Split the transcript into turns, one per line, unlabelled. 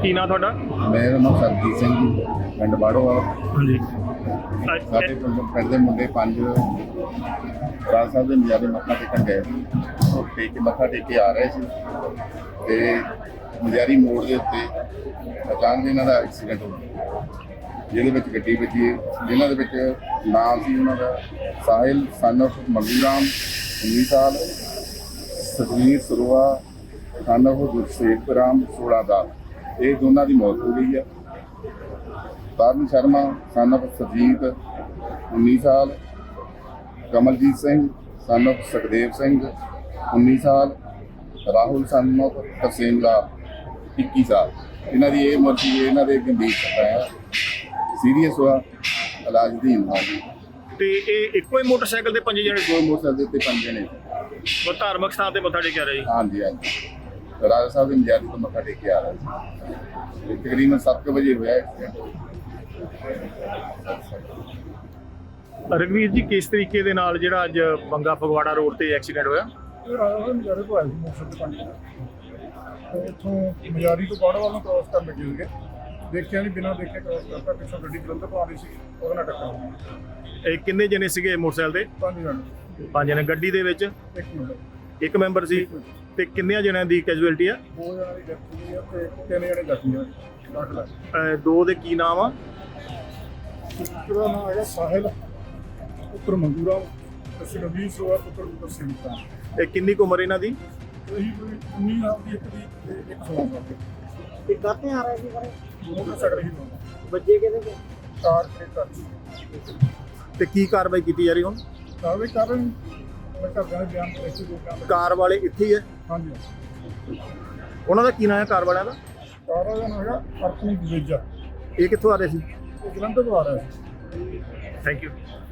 ਕੀ ਨਾਂ ਤੁਹਾਡਾ?
ਮੇਰਾ ਨਾਮ ਸਰਜੀਤ ਸਿੰਘ ਜੀ, ਪਿੰਡ ਬਾੜੋਵਾਲ।
ਹਾਂਜੀ।
ਸਾਡੇ ਪਿੰਡ ਦੇ ਮੁੰਡੇ 5 ਰਾਜ ਸਾਹਿਬ ਦੇ ਨਜ਼ਾਰੇ ਮੱਥਾ ਟੇਕਣ ਗਏ ਸੀ। ਉਹ ਮੱਥਾ ਟੇਕ ਕੇ ਆ ਰਹੇ ਸੀ ਤੇ ਨਜ਼ਾਰੀ ਮੋੜ ਦੇ ਉੱਤੇ ਅਚਾਨਕ ਇਹਨਾਂ ਦਾ ਐਕਸੀਡੈਂਟ ਹੋ ਗਿਆ, ਜਿਹਦੇ ਵਿੱਚ ਗੱਡੀ ਵੱਜੀ। ਜਿਨ੍ਹਾਂ ਦੇ ਵਿੱਚ ਨਾਮ ਸੀ ਉਹਨਾਂ ਦਾ ਸਾਹਿਲ ਸਨ ਆਫ ਮੰਗੂ ਰਾਮ 19 ਸਾਲ, ਸਤਵੀਰ ਸਰੋਆ ਸਨ ਆਫ ਗੁਰਸੇਵਕ ਰਾਮ 16 ਸਾਲ। ਇਹ ਦੋਨਾਂ ਦੀ ਮੌਤ ਹੋ ਗਈ ਹੈ। ਤਰਨ ਸ਼ਰਮਾ ਸਨ ਆਫ ਸਰਜੀਤ 19 ਸਾਲ, ਕਮਲਜੀਤ ਸਿੰਘ ਸਨ ਆਫ ਸੁਖਦੇਵ ਸਿੰਘ 19 ਸਾਲ, ਰਾਹੁਲ ਸਨ ਆਫ ਤਰਸੇਮ ਲਾਲ 21 ਸਾਲ। ਇਹਨਾਂ ਦੀ ਇਹ ਮੌਤ ਸੀ। ਇਹਨਾਂ ਦੇ ਗੰਭੀਰ ਸੱਟਾਂ ਹੈ, ਸੀਰੀਅਸ ਹੋਇਆ, ਇਲਾਜ ਅਧੀਨ ਆ ਜੀ।
ਤੇ ਇਹ ਇੱਕੋ ਹੀ ਮੋਟਰਸਾਈਕਲ ਤੇ 5 ਜਣੇ?
ਦੋ ਮੋਟਰਸਾਈਕਲ ਤੇ 5 ਜਣੇ।
ਉਹ ਧਾਰਮਿਕ ਸਥਾਨ ਤੇ ਮੱਥਾ ਟੇਕਿਆ ਰਿਹਾ ਜੀ?
ਹਾਂਜੀ ਹਾਂਜੀ, ਰਾਜਾ ਸਾਹਿਬ ਦੇ ਨਜ਼ਾਰੇ ਤੋਂ ਮੱਥਾ ਟੇਕ ਕੇ ਆ ਰਹੇ ਸੀ। ਇਹ ਤਕਰੀਬਨ 7 ਵਜੇ ਹੋਇਆ ਐਕਸੀਡੈਂਟ।
ਰਘਵੀਰ ਜੀ, ਕਿਸ ਤਰੀਕੇ ਦੇ ਨਾਲ ਜਿਹੜਾ ਅੱਜ ਬੰਗਾ ਫਗਵਾੜਾ ਰੋਡ ਤੇ ਐਕਸੀਡੈਂਟ ਹੋਇਆ?
ਇਹ ਰਾਜਾ ਸਾਹਿਬ ਨਜ਼ਾਰੇ ਤੋਂ ਆਏ ਸੀ ਮੋਟਰਸਾਈਕਲ ਤੇ 5 ਤੇ ਇੱਥੋਂ ਮਜ਼ਾਰੀ ਤੋਂ ਬਾੜੋਵਾਲ ਨੂੰ ਕ੍ਰੋਸ ਕਰਨ ਲੱਗੇ ਸੀਗੇ। ਦੇਖਿਆ ਨਹੀਂ, ਬਿਨਾਂ ਦੇਖੇ ਕ੍ਰੋਸ ਕਰਤਾ। ਪਿੱਛੋਂ ਗੱਡੀ ਜਲੰਧਰ ਤੋਂ ਆ ਰਹੀ ਸੀ, ਉਹਦੇ ਨਾਲ ਟੱਕਰ ਹੋ ਗਈ।
ਇਹ ਕਿੰਨੇ ਜਣੇ ਸੀਗੇ ਮੋਟਰਸਾਈਕਲ ਤੇ?
5 ਜਣੇ।
5 ਜਣੇ। ਗੱਡੀ ਦੇ ਵਿੱਚ
ਇੱਕ ਮਿੰਟ,
ਇੱਕ ਮੈਂਬਰ ਸੀ। ਤੇ ਕਿੰਨਿਆਂ ਜਣਿਆਂ ਦੀ ਕੈਜੂਅਲਟੀ ਆ?
2 ਜਣਿਆਂ ਦੀ ਡੈਥ ਹੋਈ ਆ ਤੇ 3 ਜਣੇ ਜ਼ਖਮੀ ਆ। ਡਾਕਟਰ ਲੱਗ
ਦੋ ਦੇ ਕੀ ਨਾਮ ਆ?
ਇੱਕ ਦਾ ਨਾਮ ਹੈਗਾ ਸਾਹਿਲ ਪੁੱਤਰ ਮੰਗੂਰਾਮ ਤੇ ਸੁਖਬੀਰ ਸਰੋਆ ਪੁੱਤਰ ਤਰਸੇਮ ਲਾਲ।
ਇਹ ਕਿੰਨੀ ਕੁ ਉਮਰ ਇਹਨਾਂ ਦੀ?
ਇਹੀ ਕੋਈ 19 ਸਾਲ ਦੀ ਇੱਕ ਦੀ ਤੇ ਇੱਕ 16 ਸਾਲ ਦੀ।
ਤੇ ਕਾਹਤੇ ਆ ਰਹੇ ਸੀ ਸਾਰੇ?
ਮੋਟਰਸਾਈਕਲ ਹੀ ਦੋਨੋਂ
ਬੱਚੇ ਕਿਹਦੇ ਤੇ?
Car Creta.
ਤੇ ਕੀ ਕਾਰਵਾਈ ਕੀਤੀ ਜਾ ਰਹੀ ਹੁਣ?
ਕਾਰਵਾਈ ਕਰ ਰਹੇ ਮੈਂ ਘਰਦਿਆਂ ਦੇ ਬਿਆਨ ਤੇ ਇੱਥੇ ਜੋ ਬਿਆਨ
ਕਾਰ ਵਾਲੇ ਇੱਥੇ ਹੀ ਹੈ?
ਹਾਂਜੀ।
ਉਹਨਾਂ ਦਾ ਕੀ ਨਾਮ ਹੈ ਕਾਰ ਵਾਲਿਆਂ ਦਾ?
ਕਾਰ ਦਾ ਨਾਮ ਹੈਗਾ ਅਰਪਣੀ ਦਵੇਜਾ।
ਇਹ ਕਿੱਥੋਂ ਆ ਰਹੇ ਸੀ?
ਇਹ ਜਲੰਧਰ ਤੋਂ ਆ ਰਿਹਾ ਸੀ।
Thank you.